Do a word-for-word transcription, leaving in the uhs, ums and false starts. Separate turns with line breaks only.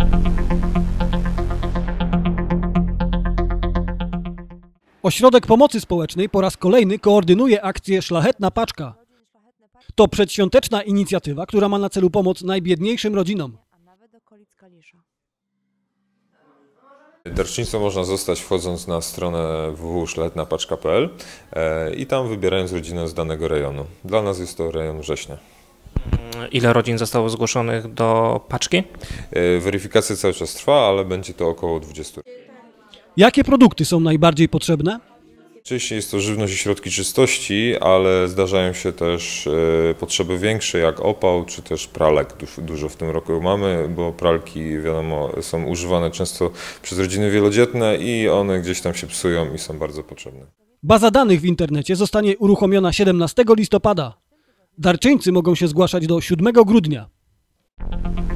Ośrodek Pomocy Społecznej po raz kolejny koordynuje akcję Szlachetna Paczka. To przedświąteczna inicjatywa, która ma na celu pomoc najbiedniejszym rodzinom.
Darczyńcą można zostać wchodząc na stronę w w w kropka szlachetna paczka kropka p l i tam wybierając rodzinę z danego rejonu. Dla nas jest to rejon Września.
Ile rodzin zostało zgłoszonych do paczki?
Weryfikacja cały czas trwa, ale będzie to około dwudziestu.
Jakie produkty są najbardziej potrzebne?
Oczywiście jest to żywność i środki czystości, ale zdarzają się też potrzeby większe jak opał czy też pralek. Dużo w tym roku mamy, bo pralki wiadomo są używane często przez rodziny wielodzietne i one gdzieś tam się psują i są bardzo potrzebne.
Baza danych w internecie zostanie uruchomiona siedemnastego listopada. Darczyńcy mogą się zgłaszać do siódmego grudnia.